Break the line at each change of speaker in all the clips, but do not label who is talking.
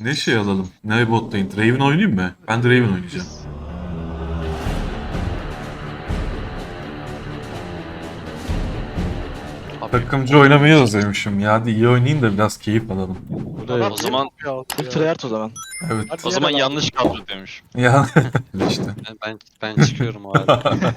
Ne şey alalım? Ne bot lane? Draven oynayayım mı? Ben Draven oynayacağım. Takımcı oynamayı özlemişim ya. Hadi iyi oynayayım da biraz keyif alalım.
O zaman
Full tryhard o zaman.
Evet.
o zaman yanlış kadro demiş.
Ya işte.
Ben çıkıyorum o halde.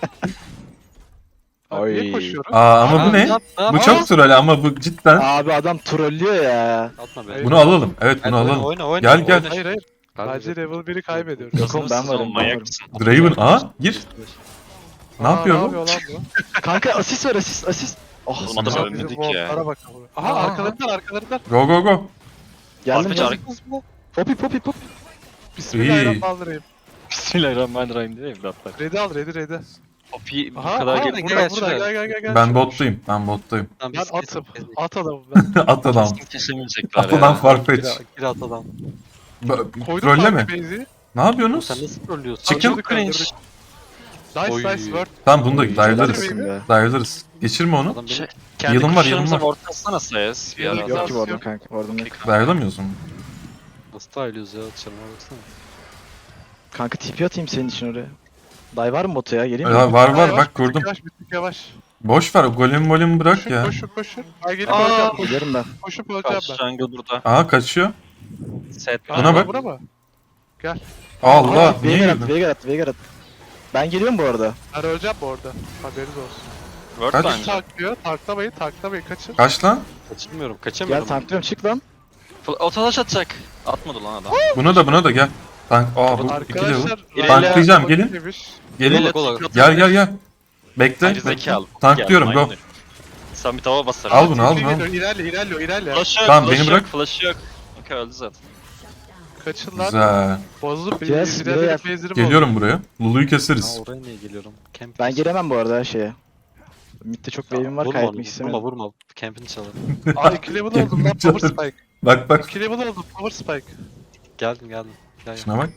Abi niye
Oy.
koşuyorum?
Ama bu ne? Bu çok troll ama bu cidden.
Abi adam trollüyor ya.
Atma be.
Bunu alalım. Evet bunu alalım.
Oyna.
Gel gel.
Hayır hayır. Bence level 1'i kaybediyoruz.
Yok oğlum, ben varım, ben varım.
Draven gir. Ne
Aa,
yapıyor
Ne
bu?
yapıyor lan bu?
Kanka asist var asist. Oh
Oğlum adam
Bizim
ölmedik ya.
botlara bak. Aha arkalarından.
Go go go.
geldim
Arka-
ya. Poppy.
Bismillahirrahmanirrahim.
Bismillahirrahmanirrahim değil mi evlatlar?
Ready al ready.
Poppy bu
Aha
kadar
burada
gel
burada
gel
gel.
Ben bottayım. Ben bottayım.
Tamam,
Ben
biz
atım.
kesin-
At adamım ben.
At adam.
kesin kesemeyecekler
At adam
ya.
Farfetch.
Gir at adam.
Koydum
Trolleme.
base'i.
Ne yapıyorsunuz?
Sen nasıl trollüyorsun?
Çıkın.
Kaldırdık, kaldırdık. Nice
Oy.
nice word.
Tamam bunu da dive'larız.
Güzel
be.
Dive'larız. Geçirme onu.
Adam benim
Yılın
kendi
var,
kuşlarımıza
yılın var.
ortasına sayas. Bir
Yok,
ara
yok.
Yok ki vurdum kanka. Vurdum yok.
Dive'lamıyoruz mu?
Nasıl tayılıyoruz ya? Dışarıma baksana.
Kanka TP atayım senin için oraya. Day var mı botu ya? Geleyim mi?
Ya, var
Yavaş,
bak kurdum.
Yavaş bir tık yavaş.
Boş ver golem bırak
Koşun
ya.
koşun. Ay gelip
Aa,
öleceğim.
Giderim ben.
Koşup öleceğim
Karşı
ben.
jungle burada.
Aa kaçıyor.
Set.
Buna bak.
Buna mı?
Allah niye
Veigar at,
girdin?
Veigar at. Ben geliyorum bu arada.
Ben öleceğim bu arada. Haberiniz olsun.
Word
Kaç?
bence.
Taklıyor. Taklamayın kaçın.
Kaç lan?
Kaçırmıyorum.
Gel
Kaçamıyorum.
tanklıyorum çık lan.
Otalaş atacak. Atmadı lan adam.
Buna da gel. Tank bu iki level.
Arkadaşlar.
Tanklayacağım, gelin. Gelin.
Gola, gola.
Gel. Bekle.
Ayrı zekalı.
Tanklıyorum
Gel,
go.
aynen. Sen bir tava basar.
Al bunu al.
İlerle.
Flash yok.
Tamam,
flash
beni
yok,
bırak.
Flash yok. Okey öldü zaten.
Kaçın lan.
Güzel.
Bozulup
Yes,
ileride
buraya-
base'lerim
Geliyorum buraya. Lulu'yu
Aa,
keseriz.
oraya niye geliyorum? Camp
Ben gelemem bu arada her şeye. Mid'de çok wave'im var
Vurma
kaybetmek
onu,
istemiyorum.
vurma. Camp'ini çalalım.
Aa 2 level oldum lan power spike.
Bak.
2 level oldum power spike.
Geldim. Gel.
Şuna bak.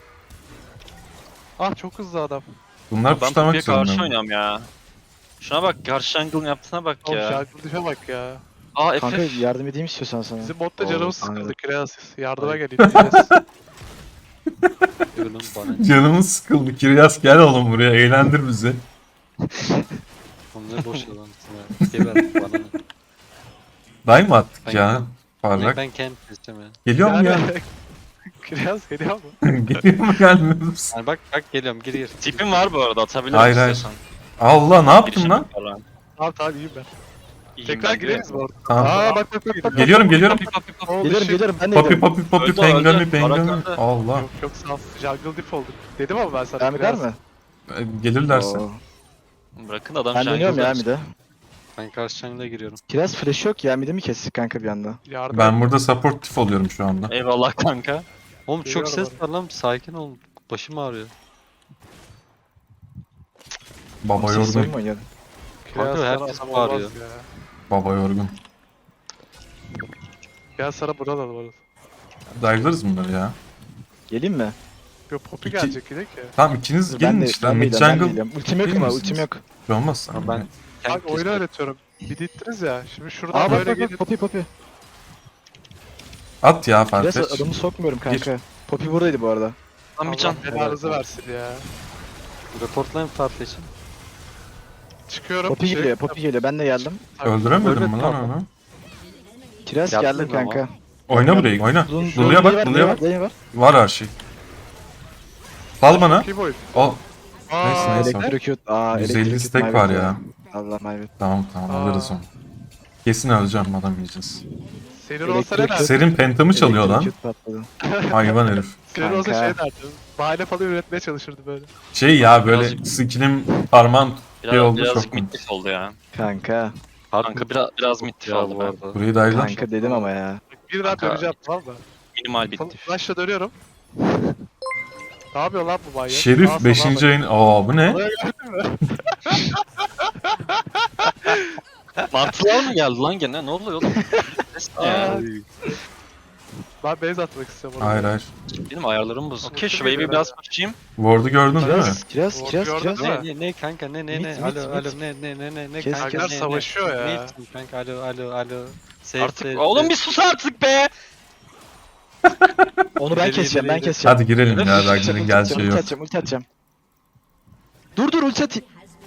Ah çok hızlı adam.
Bunlar
Ben
puşlamak
Poppy'ye karşı
zorunda.
oynuyorum ya. Şuna bak, karşı jungle'ın yaptığına bak
Oğlum
ya.
şarkı düşe bak ya.
Aa
Kanka
FF.
yardım edeyim istiyorsan sana.
Bizim botta
Oo,
canımız sıkıldı
anladım.
Kireas. Yardıma gelin diyeceğiz.
Ürünüm bana.
Canımız sıkıldı. Kiryas gel oğlum buraya. Eğlendir bizi.
Onları boş yalansın ya. Geber bana ne?
Day mı attık
Ben-
ya? Parlak.
Ben camp istemiyorum.
Geliyor mu ya?
Kireas geliyor mu?
Geliyor mu gelmiyor musun?
Yani bak geliyorum gir. Tipim var bu arada, atabilirim
Hayır.
istiyorsan.
Allah ne yaptın lan?
Tamam iyiyim ben.
İyiyim
Tekrar
ben,
gireriz bu arada.
Tamam.
Aa bak.
Geliyorum.
Oh,
Gelirim
shit.
gelirim ben de
Poppy
gelirim.
Öldü,
pengami
öldü.
pengami.
Barak öldü.
Allah.
Yok sağ ol. Jungle diff olduk. Dedim ama ben sana.
Devam eder
Kireas.
mi?
Gelirlerse.
Oo.
Bırakın adam
Ben dönüyorum ya mid'e.
Ben karşı jungle'a giriyorum.
Kiraz flash yok ya mid'i mi kestik kanka bir anda?
Yardım
Ben burada supportif oluyorum şu anda.
Eyvallah kanka. Oğlum çok
Geliyorum
ses var lan, sakin ol. Başım ağrıyor.
Baba
Siz oyun
yorgun.
mu oynuyordun?
Kireas
Kanka,
sana
herkes
adam
bağırıyor.
olmaz ya.
Baba yorgun.
Gel sana buradan al orada.
Dive'larız bunları ya.
Geleyim mi?
Yok Poppy
İki-
gelecek gidelim ki.
Tamam ikiniz
Ben
gelin
de
işte.
ben de
Mid
gidiyorum, ben de
jungle.
gidiyorum. Ultim yok
Değil
ama
misiniz?
ultim yok.
Şey olmaz.
Ha, ben
Bak oyunu
kestim.
öğretiyorum. Bir dittiniz ya. Şimdi şuradan
Aa bak
böyle
bak
gelin.
bak Poppy.
At ya
Kiraz
Farfetch.
adamı sokmuyorum kanka. Poppy buradaydı bu arada.
Lan bir can.
Allah belanızı versin ya.
Reportlayın Farfetch'in.
Çıkıyorum.
Poppy geliyor, Poppy geliyor. Ben de geldim.
Öldüremedim mi
Öyle
lan
tamam.
onu?
Kiraz
Yaptın
geldim
ama.
kanka.
Oyna burayı oyna.
Lulu'ya
Lulu'ya bak Lulu'ya bak.
var.
Var her şey. Sal bana.
Kim oyun?
Al.
Aa,
Neyse, neyse.
Electrocute. Aa
150
Electrocute
stack
my
var
bad
ya.
Allah my bad.
Tamam
Aa.
alırız onu. Kesin öleceğim adam yiyeceğiz.
Senin olsa ne
Elektrik-
dersin?
Serin pentamı çalıyor lan.
Electrocute patladı.
Hayvan herif.
Senin olsa
Kanka.
şey derdim. Bahane falan üretmeye çalışırdı böyle.
Şey ya böyle
Birazcık-
skillim parmağım şey oldu
Birazcık
çok.
mittif oldu ya.
Kanka.
Kanka biraz mittif
Ya
oldu
bu
ben.
arada.
Burayı dayılar.
Kanka dedim ama ya.
Bir daha
Kanka.
döneceğim tamam mı?
Minimal bittif.
Flash'la dönüyorum. Ne yapıyor lan bu manyak? Sağa
Şerif
sola
5.
bak.
ayın. Aa bu ne?
Oraya gördün mü?
Martılar mı geldi lan gene? Ne oluyor oğlum? Ses ne ya?
Aa. Ben base atmak istiyorum oraya.
Hayır hayır.
Benim ayarlarım bozuk. Okey şu
Çok iyi
wave'i
be.
biraz pushayım.
Ward'u gördün değil mi?
Kiraz.
Gördün mü?
Ne kanka ne
Mit,
alo
mit,
alo
mit.
ne
Kes,
kanka
Kankalar
kes.
savaşıyor ya.
Ne kanka alo.
Save,
Artık
save,
oğlum
save.
bir sus artık be.
Onu ben
İleri,
keseceğim,
ileri,
ben
ileri.
keseceğim.
Hadi girelim ya.
Ulti
Ragnar'ın
atacağım,
geleceği
ulti
yok.
atacağım, ulti atacağım. Dur ulti atayım.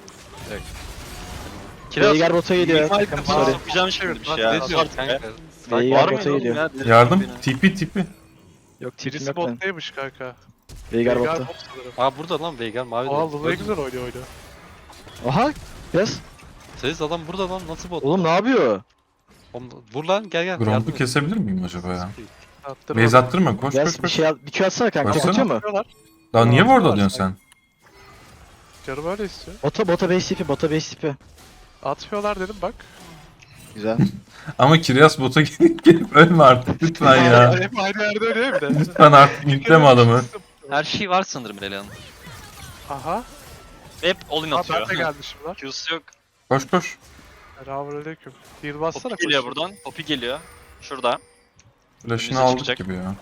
Veigar bota geliyor.
Minimal
Takım
kafana
sorry.
sokacağım şimdi bir şey
Bak,
ya.
ne diyorsun
Kanka.
Veigar
Var mı
bota
oğlum
geliyor.
ya?
Yardım. Tipi.
Yok tipim
Birisi
yok benim.
bottaymış kanka.
Veigar
Veigar
botta.
bot sanırım.
Aa burada lan Veigar mavi.
Aa Lula ne güzel oynuyor.
Aha. Biraz.
Siz adam burada lan nasıl bot?
Oğlum ne yapıyor?
Oğlum, vur lan gel gel.
Gromp'u
yardım et.
kesebilir miyim acaba ya?
Attırma.
Base attırma. Koş
Biraz
koş
bir
koş.
şey al, bir Q atsana kanka.
Koşsana.
Tek atıyor mu?
Atıyorlar.
Daha niye
Atıyorlar
orada diyorsun sen?
Canım öyle istiyor.
Bota base tipi, bota base tipi.
Atmıyorlar dedim bak.
Güzel.
Ama Kiryas bota gelip ölme artık lütfen ya.
Hep aynı yerde ölüyor bir de.
Lütfen artık yükleme adamı.
Her şey var sanırım Relia'nın.
Aha.
Hep all-in
Aa,
atıyor.
ben de gelmişim lan.
Q'su yok.
Koş koş.
Selamünaleyküm. Heal bassana
Poppy geliyor
koş.
buradan. Poppy geliyor. Şurada.
Flash'ını
Önümüze
aldık
çıkacak.
gibi ya.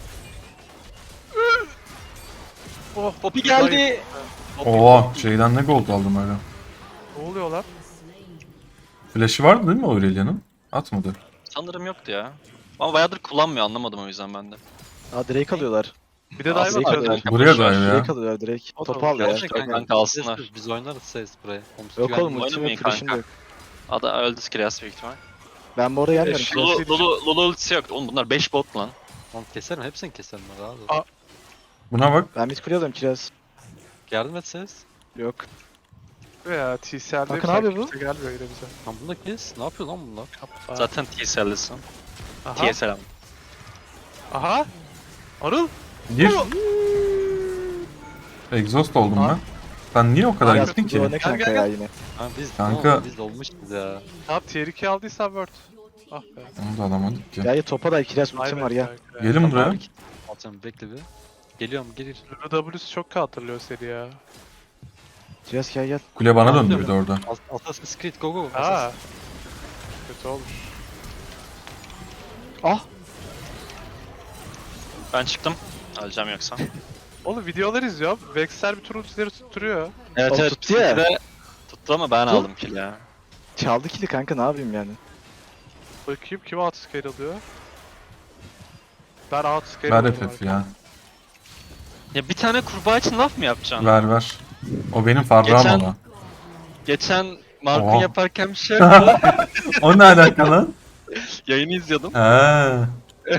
Oh,
Poppy geldi.
Oha şeyden ne gold aldım öyle.
Ne oluyor lan?
Flash'ı vardı değil mi Aurelia'nın? Atmadı.
Sanırım yoktu ya. Ama bayağıdır kullanmıyor anlamadım o yüzden ben de.
Aa Drake alıyorlar.
Bir de
Aslında
dive atıyorlar.
kanka,
Buraya
boş ver.
da ya.
Drake alıyorlar Drake.
O da
Top al ya.
Gerçekten
top al.
kanka alsınlar.
Biz oynarız ses buraya.
Yok oğlum ultim
Oynamayın
yok, flash'im de
kanka.
yok.
Ada öldü Skryas büyük ihtimal.
Ben bu arada gelmiyorum.
Eş-
Lulu ultisi yok. Oğlum bunlar 5 bot lan.
Lan keserim hepsini keserim ben rahat ol.
Aa.
Buna bak.
Ben mid kule alıyorum kiraz.
Yardım et ses.
Yok.
Ya TCL'de
Bakın abi bu.
gelmiyor yine bize.
Lan bunu da kes. Ne yapıyor lan bunlar?
Aa,
Zaten TSL'lisin.
Aha.
TSL.
Aha. Arıl.
Gir. Exhaust oldum ben. Sen niye o kadar
Kiraz
gittin
bu
ki?
ne kanka
gel,
ya
gel.
yine.
Ha biz
Kanka.
oğlum, biz olmuşuz ya.
Tamam tier 2 aldıysan word. Ah be.
Onu da alamadık ki.
Ya ya topa da kiraz ultim
Aynen
var ya.
kanka.
Gelin buraya.
Alacağım bekle bir. Geliyorum gelir.
Lulu W'su çok hatırlıyor seni ya.
Kiraz gel gel.
Kule bana döndü bir de orada.
Assassin's Creed go go.
Ha. Kötü olmuş.
Ah.
Ben çıktım. Alacağım yoksa.
Oğlum videolar izliyorum. Vexer bir tur ultileri tutturuyor.
Evet
O
evet.
tuttu ya.
de tuttu ama ben aldım kill ya.
Çaldı kili kanka ne yapayım yani.
Bakayım kim outscale alıyor? Ben outscale
Ver
alıyorum
FF ya.
Ya bir tane kurbağa için laf mı yapacaksın?
Ver. O benim farrağım
Geçen-
ama.
Geçen Mark'ın
Oha.
yaparken bir şey yaptı.
O ne alaka lan?
Yayını izliyordum.
Ha.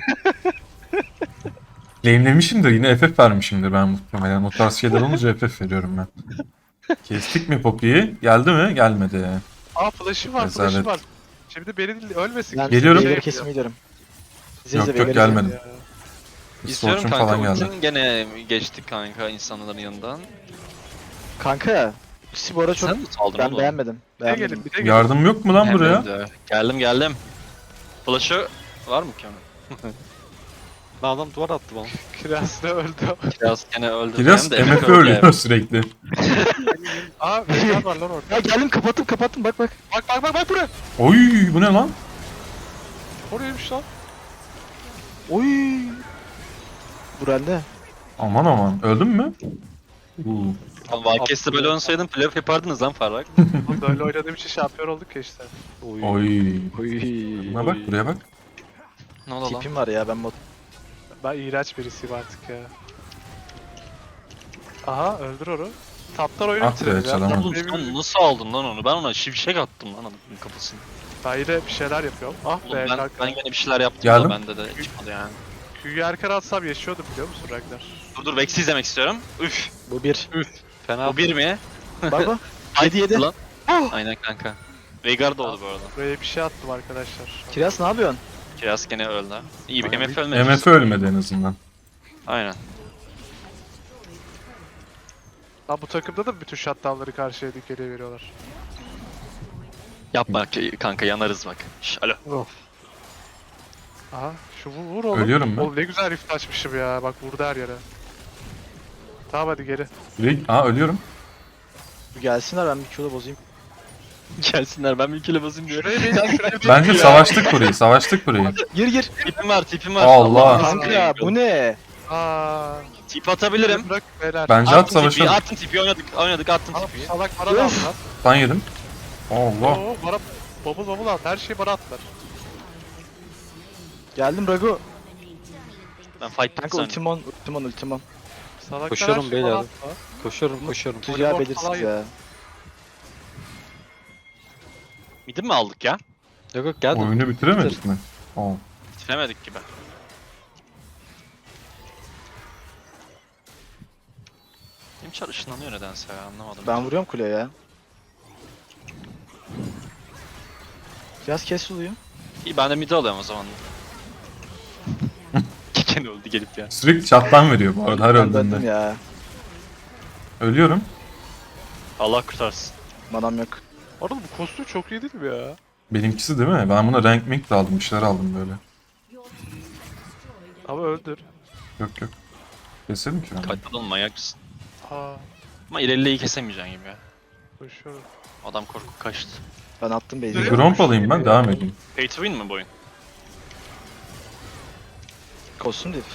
Claimlemişimdir yine FF vermişimdir ben muhtemelen. O tarz şeyler olunca FF veriyorum ben. Kestik mi Poppy'yi? Geldi mi? Gelmedi.
Aa flash'ı var,
Rezalet.
flash'ı var. Şimdi beni ölmesin.
Ben
Geliyorum.
Veigar'ı kesmeye gidiyorum. İzle
Yok,
izle,
yok,
Veigar'ı
gelmedim.
Ya.
İstiyorum
Fortune
kanka
falan geldi.
ultin gene geçtik kanka insanların yanından.
izle. Kanka. İkisi bu ara çok...
Sen mi saldın
Ben
oğlum?
beğenmedim.
Bir de
Beğenmedim.
gelin, bir de gelin.
Yardım yok mu lan
Hem
buraya?
öldü. Geldim. Flash'ı var mı ki onun?
Lan adam duvar attı bana.
Kiraz da öldü.
Biraz gene öldü.
Kiraz
Hem de
MF
öldü.
ölüyor sürekli.
Aa Veigar var lan orada.
Ya geldim kapattım bak.
Bak buraya.
Oy bu ne lan?
Oraymış lan.
Oy. Buralde.
Aman. Öldün mü? Uuu.
Lan Valkes'te böyle oynasaydın playoff yapardınız lan Farrak.
Oğlum böyle oynadığım için şampiyon olduk ya işte.
Oy.
Oy.
Oy.
Buna bak buraya bak.
Ne oldu lan?
Tipim var ya ben bot.
Ben iğrenç birisiyim artık ya. Aha öldür onu. Taptan oyunu
Ah be,
bitirelim ya.
çalamadım.
Oğlum sen nasıl aldın lan onu? Ben ona şivşek attım lan adamın kafasını.
Ben yine bir şeyler yapıyorum. Ah
Oğlum
be
ben
kanka.
gene bir şeyler yaptım
Geldim.
da bende de çıkmadı yani.
Q'yu erken atsam yaşıyordum biliyor musun Ragnar?
Dur Vex'i izlemek istiyorum. Üf.
Bu bir.
Fena
Bu bir mi?
Bak.
Haydi
yedi.
lan. Aynen kanka. Veigar da oldu bu arada.
Buraya bir şey attım arkadaşlar.
Kiraz ne yapıyorsun?
Kiraz gene öldü. İyi bir
Aynen.
MF ölmedi.
MF ölmedi en azından.
Aynen.
Lan bu takımda da bütün shutdownları karşıya dikeliğe veriyorlar.
Yapma kanka yanarız bak. Şş, alo.
Aha şu vur oğlum.
Ölüyorum ben.
Oğlum ne güzel rift açmışım ya. Bak vurdu her yere. Tamam hadi geri.
Ölüyorum.
Bu gelsinler ben bir Q'da bozayım.
Gelsinler ben bir kilo basayım diyorum.
Şuraya bir
Bence savaştık burayı.
Gir.
Tipim var.
Allah.
Kanka bu ne?
Aaa.
Tip atabilirim.
Bırak beyler.
Bence at
Attım tipi,
savaşalım.
attım tipi oynadık attım
Aa,
tipi.
salak bana da
Öf.
at lan.
Ban yedim. Allah.
Oo bana bubble at. Her şeyi bana attılar.
Geldim Rago.
Ben fight
Kanka
zannediyorum.
ultimon.
Salaklar
Koşuyorum
her şeyi
beyler.
bana atma.
Koşuyorum.
Tuzağı
Voleybol
belirsiz
falan
ya.
Midi mi aldık ya?
Yok geldim.
Oyunu bitiremedik mi? Oo.
Bitiremedik gibi. Benim çar ışınlanıyor nedense ya anlamadım.
Ben vuruyorum kuleye ya. Biraz kes oluyor.
İyi ben de midi alıyorum o zaman. Kiken öldü gelip ya.
Sürekli chat'tan veriyor bu arada her
Ben döndüm
öldüğünde.
ya.
Ölüyorum.
Allah kurtarsın.
Manam yok.
Oğlum bu kostüm çok iyi değil mi ya?
Benimkisi değil mi? Ben buna rank mink de aldım. Bir şeyler aldım böyle.
Ama öldür.
Yok. Keselim ki ben.
Kayıtladın mı manyak mısın?
Aa,
Ama ilerleyi kesemeyeceksin gibi ya.
koşuyorum.
Adam korkup kaçtı.
Ben attım
Direkt-
base'i.
Gromp alayım ben devam edeyim.
Pay to win mi bu oyun?
Kostüm değil.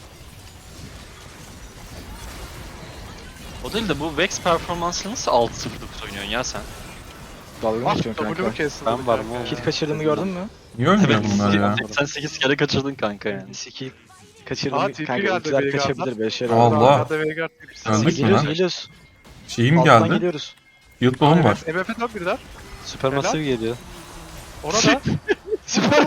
O değil de bu Vex performansını nasıl 6-0-9 oynuyorsun ya sen?
Dalga mı
Ah
geçiyorsun
W'mu
kanka?
kestim.
Ben varım oğlum.
Kit kaçırdığımı gördün mü?
Niye ölmüyor bunlar ya?
Sen 8 kere kaçırdın kanka yani.
Siki kaçırdım.
Aa, TP
Kanka
geldi
ultiler
Veigar'dan.
kaçabilir böyle şeyler.
Allah.
Arkada Veigar tepkisi.
Öldük mü
Geliyoruz
lan?
geliyoruz.
Şeyim
Alttan
geldi.
geliyoruz.
Field bomb var.
MF'e dön birler.
Supermassive geliyor.
Orada.
Süper.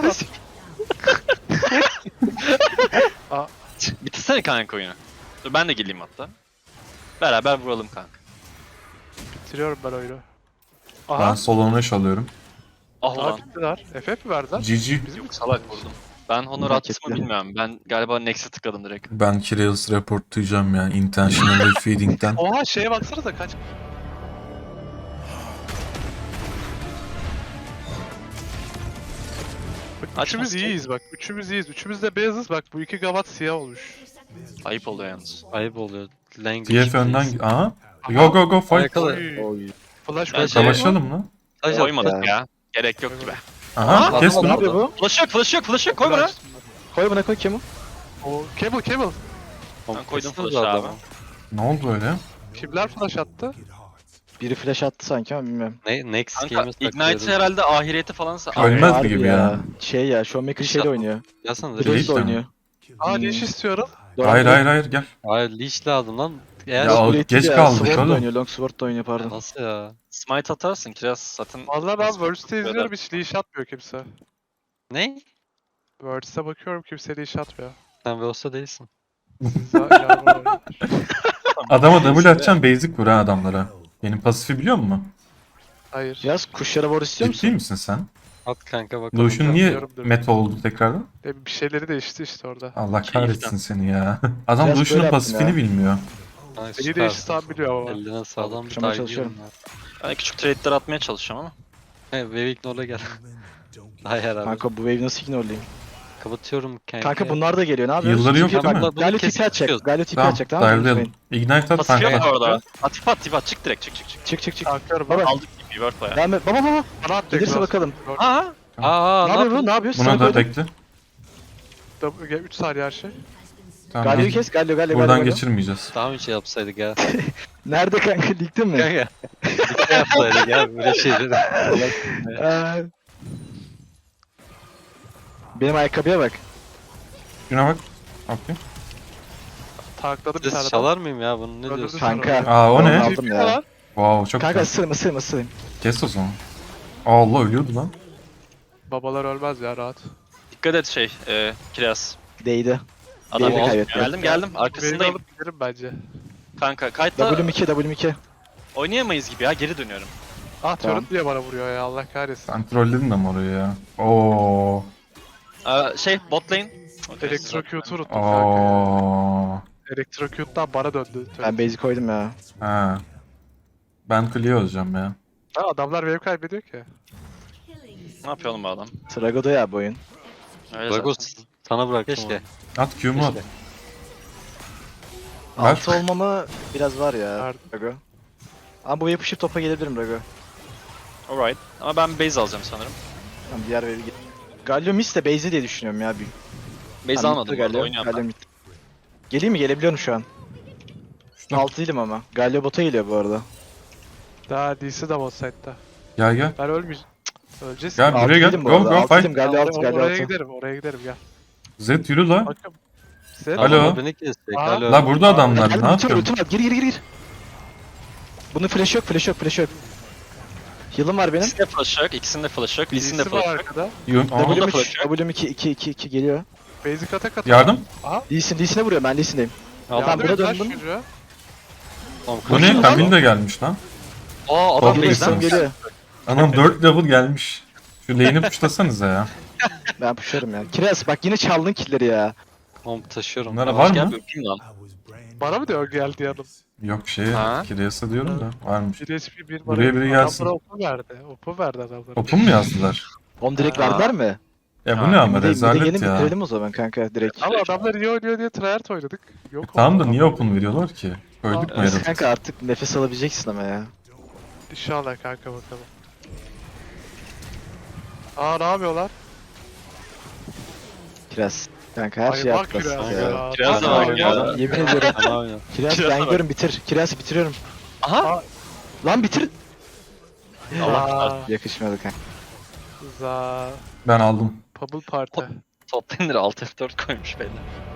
Bitirsene kanka oyunu. Dur ben de geleyim hatta. Beraber vuralım kanka.
Bitiriyorum ben oyunu.
Ben
Aha.
solo neş alıyorum.
Ah
Aha
lan.
bittiler. FF mi verdiler?
GG.
Bizim mi
Salak vurdum. Ben honor
Hak
attım mı
etti.
bilmiyorum. Ben galiba Next'e tıkladım direkt.
Ben Kirill's reportlayacağım ya. Intentional feeding'den.
Oha şeye baksanıza kaç. Bak, üçümüz
Açmasın.
iyiyiz bak. Üçümüz iyiyiz. Üçümüz de beyazız bak. Bu iki gavat siyah olmuş.
Ayıp oluyor yalnız.
Ayıp oluyor. Language
TF önden...
please.
Aha. Go fight.
Yakala.
Oy.
Oy.
Flash
Ben
koy.
şey-
Savaşalım lan.
Taş at
Koymadık
ya.
ya. Gerek yok gibi.
Aha kes
Ne
bunu.
yapıyor bu?
Flash yok koy bana.
Koy buna koy Kemo.
O Cable.
Ben koydum
Kestiniz
flash'ı
adamı.
abi.
Ne oldu öyle?
Kimler flash attı?
Biri flash attı sanki ama bilmiyorum.
Next
Kanka
game'e
Ignite
takılıyoruz.
herhalde ahireti falansa.
Ölmez
Harbi
gibi ya.
Şey ya, Showmaker şeyle oynuyor.
Gelsene
Değil
Blaze
de.
oynuyor.
Aa
Hmm.
leash istiyorum.
Hayır gel.
Hayır leash lazım lan. Eğer
Ya o-
Blade
geç
değil
kaldık
Sword'la
oğlum.
oynuyor, Longsword'la oynuyor pardon.
nasıl ya?
Smite atarsın Kiraz zaten.
Valla ben Words'te izliyorum hiç leash atmıyor kimse.
Ne?
Words'te bakıyorum kimse leash atmıyor.
Sen Veos'ta değilsin.
Siz daha ileride
Adama W atacaksın basic vur ha adamlara. Benim pasifi biliyor musun?
Hayır.
Yaz kuşlara war istiyor
Ciddi
musun?
misin sen?
At kanka bakalım.
Lucian niye
Biliyorumdur.
meta oldu tekrardan?
Bir şeyleri değişti işte orada.
Allah
Şey
kahretsin seni ya. Adam
Biraz
Lucian'ın
böyle
pasifini
yaptım
bilmiyor.
Ay,
Neyi
süper.
değişti tam biliyor ama.
Eline sağlam bir
Akşama
daha
çalışıyorum.
gidiyorum
Ben küçük trade'ler atmaya çalışacağım ama.
ya. He Wave Ignore'la gel. Hayır abi.
Kanka bu wave nasıl ignorlayayım?
Kapatıyorum kanka.
Kanka bunlar da geliyor ne yapıyoruz?
Yılları yok
TP
değil mi?
bak, Galio
Kesip
TP atacak.
çıkıyoruz.
Galio TP
Tamam
atacak tamam mı?
dive'layalım.
Unutmayın.
Ignite at
Pasif yok
tankla.
bu arada. At çık direkt çık.
Çık çık çık.
Kalkıyorum
Baba.
bak.
Aldık gibi word bayağı.
Devam et. Baba.
Bana at
Gelirse bakalım.
Aa!
Aa
Ne yapıyor bu? Ne yapıyor?
Buna
Sana
da
koydum.
tekli.
3 saniye her şey.
Tamam.
Galio'yu kes. Galio.
Buradan
Galio.
geçirmeyeceğiz.
Daha önce yapsaydık ya.
Nerede kanka? Ligde mi?
Kanka. Bir şey yapsaydık ya böyle şeyleri.
Benim ayakkabıya bak.
Şuna bak. Okey.
Takladım bir tane
Siz
daha.
çalar mıyım ya bunu ne
Öldürdü
diyorsun?
Kanka.
Aa o ne?
Aldım
TP
ya.
var.
Wow çok
Kanka
güzel.
ısırım.
Kes o zaman. Allah ölüyordu lan.
Babalar ölmez ya rahat.
Dikkat et Kiraz.
Değdi.
Adam
Değdi, kaybetti.
geldim
Beni
arkasındayım.
alıp giderim bence.
Kanka kayıtta
W2.
oynayamayız gibi ya geri dönüyorum.
Ah
Tamam.
turret niye bana vuruyor ya Allah kahretsin.
Sen trolledin de mi orayı ya? Oo.
Bot lane.
Elektrocute'u unuttum kanka.
Oo.
Elektrocute'dan bana döndü.
Ben basic koydum ya.
Ha. Ben clear olacağım ya.
Ha, adamlar wave kaybediyor ki.
Ne yapıyor oğlum bu adam?
Trago'da ya bu oyun.
Öyle
Dragos
zaten.
sana bıraktım Keşke.
At Q'mu at.
Keşke.
Ver.
Altı olmama biraz var ya.
Verdim.
Rago. Ama bu yapışıp topa gelebilirim Rago.
Alright. Ama ben base alacağım sanırım.
Tamam diğer wave'e git. Galio miss de base'i diye düşünüyorum ya.
Base
Tamam,
almadım
bitti
bu arada
Galio.
oynuyorum
Galio
ben.
mid. Geleyim mi? Gelebiliyorum şu an.
Şuna.
6 değilim ama. Galio bota geliyor bu arada.
Daha DC de bot side'da.
Gel.
Ben ölmeyeceğim. Öleceğiz.
Gel
Altı
buraya gel.
değilim bu
Go
arada.
go
Altı
fight.
değilim. Galio 6. Galio
Oraya
6.
giderim, oraya giderim gel.
Zed yürü la.
Bakın. Neyse.
Alo.
Adamlar beni kesecek.
Aa.
Alo.
La burada adamlar
Gel
ne
ultim var,
yapıyorsun?
ultim var. Gir gir gir gir. Bunun flash yok, flash yok, flash yok. Heal'ım var benim.
İkisinde flash yok, ikisinde flash yok, ikisinde
Birisi var
flash yok.
arkada.
Aa,
Double-
W'm
flash
3,
yok.
W'm 2, 2, 2, 2 geliyor.
Basic atak atıyor.
Yardım.
Lee'sine vuruyor, ben Lee'sindeyim.
Aldım.
Tamam, buna
Yardım et lan
döndüm.
çocuğa.
Tamam,
Bu ne? Kamil de gelmiş lan.
Aa adam
Geliyor,
base'den
Geliyor,
mi?
geliyor.
Anam 4 level gelmiş. Şu lane'i puşlasanıza ya.
Ben pushlarım ya. Kiraz bak yine çaldın killleri ya.
Tamam taşıyorum.
Bunlara
Yavaş
var
gel
mı?
bir öpeyim lan.
Bana mı diyor geldi yanım?
Yok
Ha?
Kiryas'a diyorum da varmış.
1 HP 1
Buraya biri gelsin.
Adamlara opu verdi. Opu verdi adamlara.
Open mu yazdılar?
Onu direkt
Aa.
verdiler mi?
Ya bu
Ha,
ne ama
Bir de gelin
rezalet ya.
bitirelim o zaman kanka direkt.
Ama adamlar iyi oynuyor diye tryhard oynadık. Yok
Tamam da
oldu
niye
adam.
open veriyorlar ki? Öldük mü
Evet.
herhalde?
Kanka artık nefes alabileceksin ama ya.
İnşallah kanka bakalım. Aa ne yapıyorlar?
Kiraz. Kanka her
Ay
şey
bak
yaptılar.
Kiraz
Ya.
ya.
Kiraz da
Bak
var ya.
Yemin ediyorum.
Fena oynadım.
Kiraz
Kiraz'a
ben
bak.
gidiyorum bitir. Kiraz bitiriyorum.
Aha.
Lan bitir.
Allah.
Yakışmadı kanka.
Za.
Ben aldım.
Pubble Party.
Top lane'leri alt F4 koymuş beyler.